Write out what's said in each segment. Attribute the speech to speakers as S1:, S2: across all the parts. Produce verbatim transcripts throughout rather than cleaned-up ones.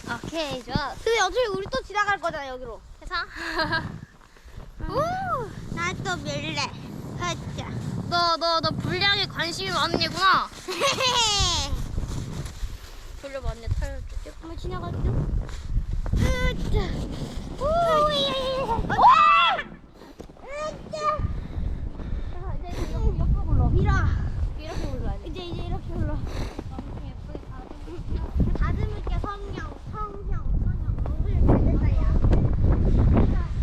S1: 오케이, 좋아.
S2: 근데 어차피 우리 또 지나갈 거잖아 여기로.
S1: 해서.
S2: 오, 나 또 밀래. 하자.
S1: 너, 너, 너 불량에 관심이 많은 얘구나. 돌려봐, 언니 타려줄게.
S2: 한번 지나갈게요. 으짜. 오, 예. 와! 으짜.
S1: 자, 이제 이렇게 옆으로 굴러.
S2: 밀어.
S1: 이렇게 굴러야 돼.
S2: 이제 이제 이렇게 불러.
S1: 엄청 예쁘게 가도.
S2: 다듬을게 성형, 성형, 성형. 얼굴 잘 됐어요.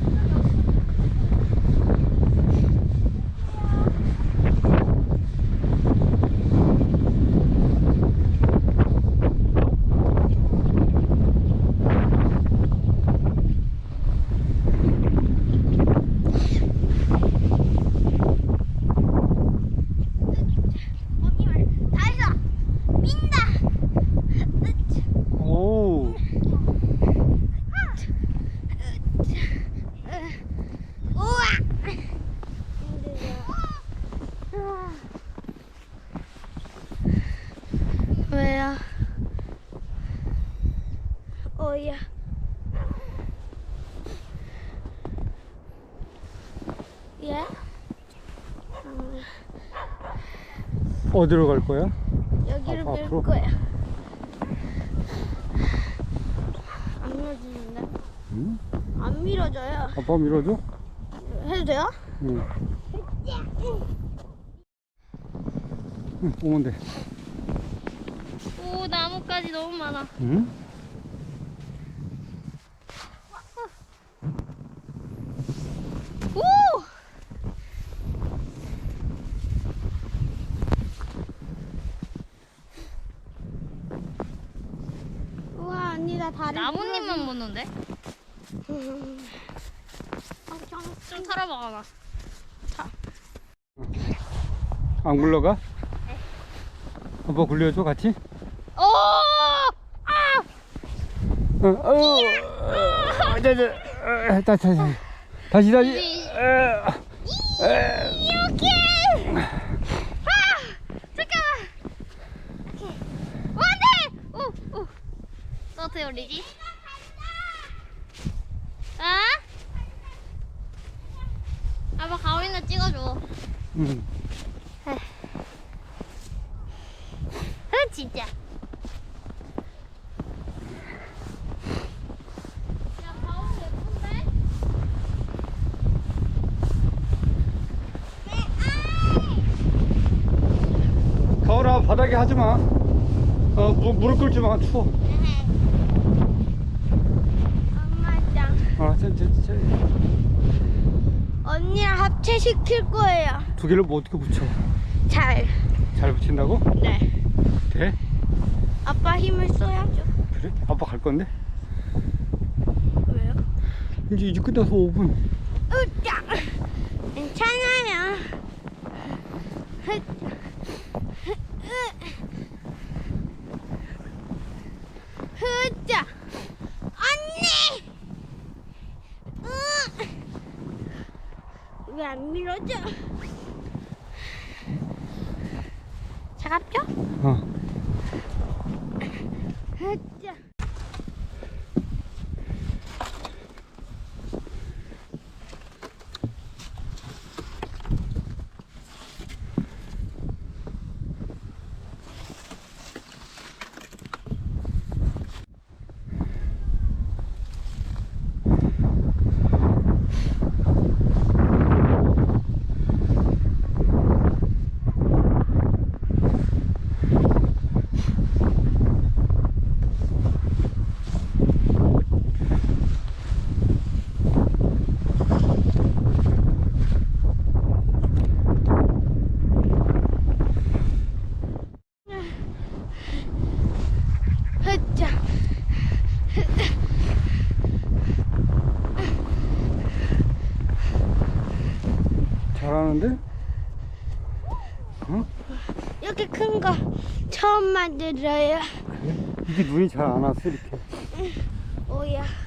S3: 오.
S2: 우와.
S1: 왜요?
S2: 어야. 예?
S3: 어디로 갈 거야?
S2: 여기를
S3: 앞-
S2: 밀
S3: 앞으로?
S2: 거야. 안 밀어지는데?
S3: 응?
S2: 안 밀어져요.
S3: 아빠 밀어줘?
S2: 해도 돼요?
S3: 응. 응, 오면 돼.
S1: 오, 나뭇가지 너무 많아.
S3: 응?
S1: 오!
S2: 우와, 언니 나 다리.
S1: 나뭇잎만 묻는데?
S2: 음. 아, 짱.
S1: 좀 털어봐, 나.
S3: 안 굴러가? 아빠 굴려줘 같이?
S1: 오! 아!
S3: 어, 어, 어, 자, 자, 어, 다시, 다시, 다시, 다시. 어, 어.
S1: 이렇게! 아! 잠깐만! 오, 안 돼! 오, 오. 또 어떻게 올리지? 아? 아빠 가오리나 찍어줘.
S3: 응.
S1: 아, 진짜. 야, 가오리 예쁜데?
S3: 가오라 바닥에 하지 마. 어, 무, 무릎 꿇지 마. 추워.
S2: 엄마 짱.
S3: 아, 저, 저, 저.
S2: 언니랑 합체시킬 거예요.
S3: 두 개를 뭐 어떻게 붙여?
S2: 잘.
S3: 잘 붙인다고?
S2: 네.
S3: 돼?
S2: 아빠 힘을 써야죠.
S3: 그래? 아빠 갈 건데?
S2: 왜요?
S3: 이제 이제 끝나서 오 분.
S2: 으짜. 괜찮아요. 흐짜. 언니. 왜 안 밀어져? 차갑죠?
S3: 어.
S2: 흐짜. 흐짜.
S3: 잘하는데? 어?
S2: 이렇게 큰 거 처음 만들어요.
S3: 이게 눈이 잘 안 왔어 이렇게.
S2: 오야.